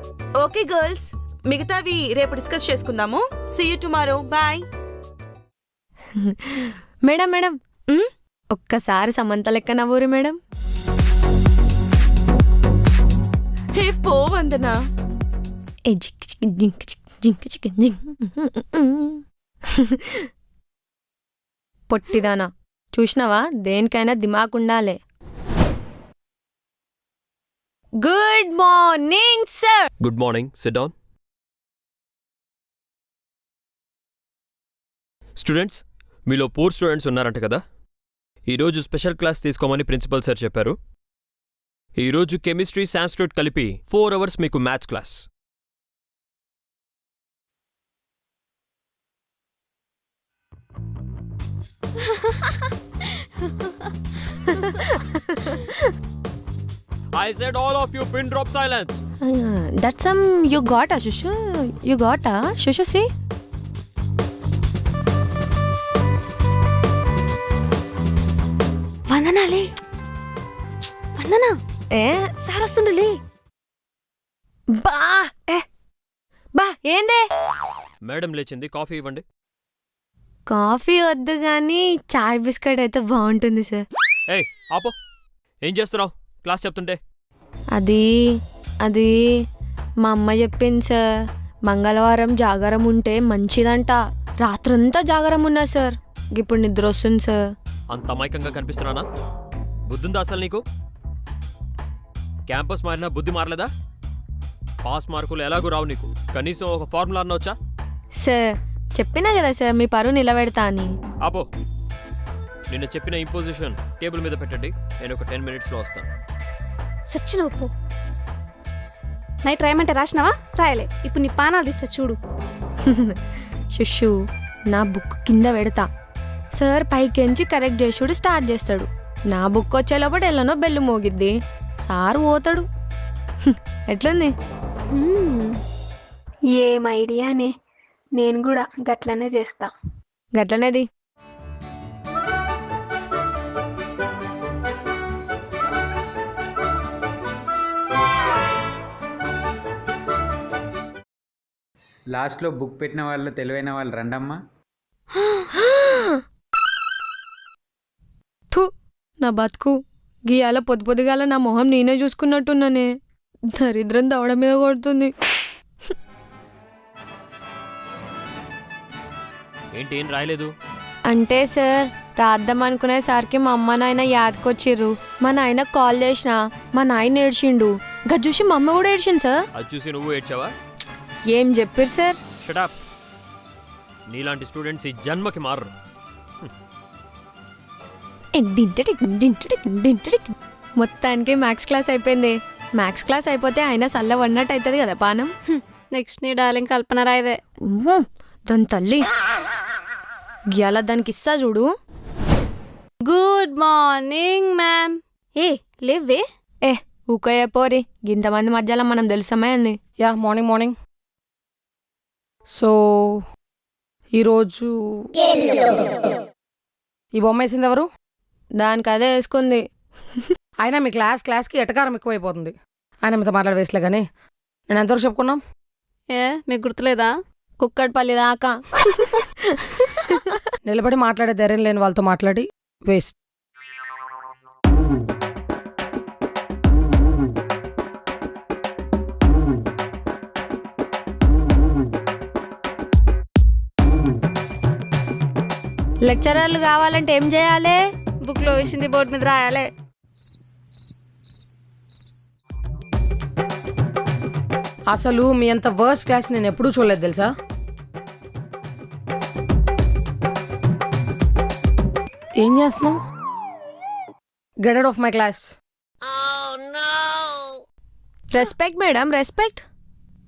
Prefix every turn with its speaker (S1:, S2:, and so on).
S1: Okay girls, మిగతావి రేపు discuss చేసుకుందాము. See you tomorrow. Bye.
S2: Madam madam ఒక్కసారి సమంత లెక్క నవ్వురి మేడం.
S1: హే పో వందనా.
S2: ఏ జిక్ చిక్ జింక్ చిక్ జింక్ చిక్ జింక్. పొట్టిదానా, చూసినావా? దేనికైనా దిమాక్ ఉండాలి. Good morning sir.
S3: Good morning. Sit down. Students, మీలో పూర్ స్టూడెంట్స్ ఉన్నారంట కదా. ఈరోజు స్పెషల్ క్లాస్ తీసుకోమని ప్రిన్సిపల్ సార్ చెప్పారు. ఈరోజు కెమిస్ట్రీ, సాంస్క్రిట్ కలిపి 4 hours మీకు maths class. I said all of you pin drop silence.
S2: That's you got a shushu. You got a shushu, see?
S4: వందనాలే వందనా. సార్ వస్తుండలే.
S2: బా బా ఏందే?
S3: మేడం లేచింది, కాఫీ ఇవ్వండి.
S2: కాఫీ వద్దు కానీ చాయ్ బిస్కెట్ అయితే బాగుంటుంది సార్.
S3: ఏయ్ ఆపో, ఏం చేస్తున్నావు క్లాస్ చెప్తుంటే?
S2: అది అది మా అమ్మ చెప్పింది సార్. మంగళవారం జాగారం ఉంటే మంచిదంట. రాత్రంతా జాగారం ఉన్నా సార్. ఇప్పుడు నిద్ర వస్తుంది సార్.
S3: అంత అమాయకంగా కనిపిస్తున్నానా? బుద్ధుందా అసలు నీకు? క్యాంపస్ మారినా బుద్ధి మారలేదా? పాస్ మార్కులు ఎలాగూ రావు నీకు. కనీసం ఒక ఫార్ములా అన్నవచ్చా?
S2: సార్ చెప్పినా కదా సార్ మీ పరువు నిలబెడతా అని.
S3: ఆపో, నిన్న చెప్పిన ఇంపోజిషన్ టేబుల్ మీద పెట్టండి. నేను ఒక 10 minutesలో వస్తాను.
S4: సచ్చిన ఉప్పు నైట్ రాయమంటే రాసినావా? రాయలే. ఇప్పుడు నీ పానాలు తీస్తా చూడు.
S2: శుషు, నా బుక్ కింద పెడతా. సార్ పైకెంచి కరెక్ట్ చేసుడు స్టార్ట్ చేస్తాడు. నా బుక్ వచ్చే లోపల ఎల్లనో బెల్లు మోగిద్ది. సార్ పోతాడు. ఎట్లుంది?
S5: ఏం ఐడియానే. నేను కూడా గట్లనే చేస్తా.
S2: గట్లనేది.
S6: లాస్ట్లో బుక్ పెట్టిన వాళ్ళు తెలివైన వాళ్ళు రండమ్మా.
S2: నా బతుకు గీయాల పొద్దుగాల నా మొహం నేనే చూసుకున్నట్టున్నానే. దరిద్రం దవడ మీద కొడుతుంది.
S3: ఏంటి ఏం రాయలేదు?
S2: అంటే సార్ రాద్దాం అనుకునేసరికి మా అమ్మ నాయన యాదకొచ్చిర్రు. మా నాయన కాల్ చేసినా మా నాయన ఏడ్చిండు. గది చూసి మా అమ్మ కూడా ఏడ్చింది సార్.
S3: అది చూసి నువ్వు ఏడ్చావా?
S2: ఏం చెప్పారు సార్?
S3: షటప్. నీలాంటి స్టూడెంట్స్ ఈ జన్మకి మారరు.
S2: మొత్తానికి మ్యాథ్స్ క్లాస్ అయిపోయింది. మ్యాథ్స్ క్లాస్ అయిపోతే ఆయన సల్ల వన్నట్టు అవుతుంది కదా పానం.
S4: నెక్స్ట్ నీ డార్లింగ్ కల్పన రాయదే.
S2: దాని తల్లి గీయాల దానికి ఇస్తా చూడు.
S4: Good morning ma'am. ఏ లేవే.
S2: ఊకయ్య పోరి, ఇంతమంది మధ్యలో మనం తెలుసమే అంది.
S7: Yeah morning morning. సో ఈరోజు ఈ బొమ్మ వేసింది ఎవరు?
S2: దానికి అదే వేసుకుంది.
S7: అయినా మీ క్లాస్కి ఎటకారం ఎక్కువైపోతుంది. ఆయన మీతో మాట్లాడే వేసలే కానీ నేను ఎంతవరకు చెప్పుకున్నాం?
S4: మీకు గుర్తులేదా?
S2: కుక్కడిపల్లి దాకా.
S7: నిలబడి మాట్లాడే ధైర్యం లేని వాళ్ళతో మాట్లాడి వేస్ట్.
S2: లెక్చరర్లు కావాలంటే ఏం చేయాలి?
S4: బుక్లో వేసింది బోర్డు మీద రాయాలి.
S7: అసలు మీ అంత వర్స్ట్ క్లాస్ నేను ఎప్పుడూ చూడలేదు తెలుసా. ఏం చేస్తున్నావు? Get out of my class.
S2: Respect madam, respect.